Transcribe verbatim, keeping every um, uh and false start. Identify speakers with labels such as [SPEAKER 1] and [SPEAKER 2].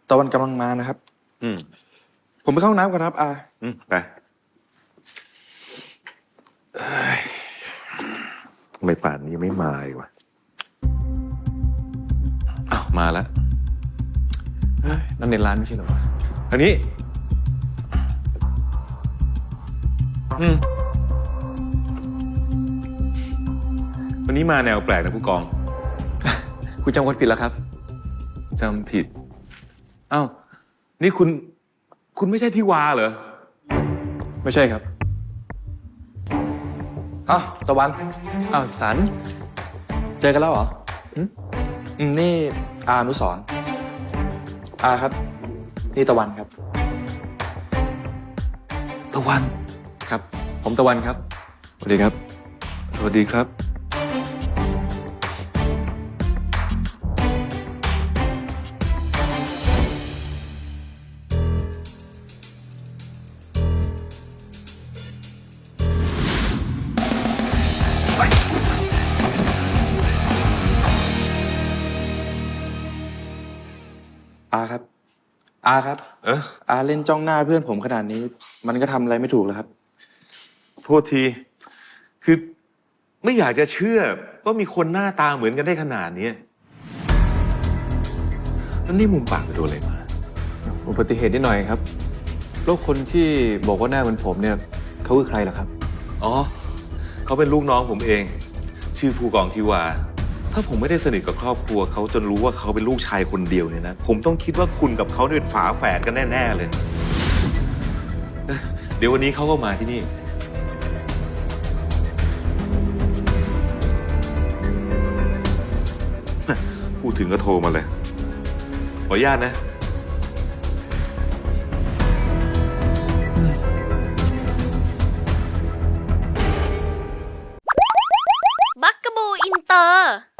[SPEAKER 1] ตะวันกำลังมานะครับ
[SPEAKER 2] อืม
[SPEAKER 1] ผมไปเข้าห้องน้ำก่อนครับอา
[SPEAKER 2] อืมไปเอ้ยทำไม่ป่านนี้ยังไม่มาอีกวะอ้าวมาแล้วเฮ้ยนั่นในร้านไม่ใช่เหรอวะทางนี้อืมวันนี้มาแนวแปลกนะผู้กอง
[SPEAKER 3] คุณจำคนผิดแล้วครับ
[SPEAKER 2] จำผิดอ้าวนี่คุณ คุณไม่ใช่พี่วาเหรอ
[SPEAKER 3] ไม่ใช่ครับ
[SPEAKER 1] อ้าวตะวัน
[SPEAKER 3] อ้าวสัน
[SPEAKER 1] เจอกันแล้วเหรอ
[SPEAKER 3] หึ
[SPEAKER 1] อืมนี่อาอนุสรณ์อาครับ นี่ตะวันครับ
[SPEAKER 2] ตะวัน
[SPEAKER 3] ครับ ผมตะวันครับสวัสดีครับ
[SPEAKER 2] สวัสดีครับ
[SPEAKER 1] อาครับ อาครับ
[SPEAKER 2] เออ
[SPEAKER 1] อาเล่นจ้องหน้าเพื่อนผมขนาดนี้ มันก็ทำอะไรไม่ถูกแล้วครับ
[SPEAKER 2] โทษที คือไม่อยากจะเชื่อว่ามีคนหน้าตาเหมือนกันได้ขนาดนี้แล้วนี่มุมปากไปโดนอะไรมา
[SPEAKER 3] อุบัติเหตุนิดหน่อยครับแล้วคนที่บอกว่าหน้าเหมือนผมเนี่ยเขาคือใครล่ะครับ
[SPEAKER 2] อ๋อ เขาเป็นลูกน้องผมเอง ชื่อผู้กองทิวา ถ้าผมไม่ได้สนิทกับครอบครัวเขาจนรู้ว่าเขาเป็นลูกชายคนเดียวเนี่ยนะ ผมต้องคิดว่าคุณกับเขาเนี่ยเป็นฝาแฝดกันแน่ ๆ เลยเอ้ยเดี๋ยววันนี้เขาก็มาที่นี่ พูดถึงก็โทรมาเลย ขออนุญาตนะ
[SPEAKER 4] บักกะบูอินเตอร์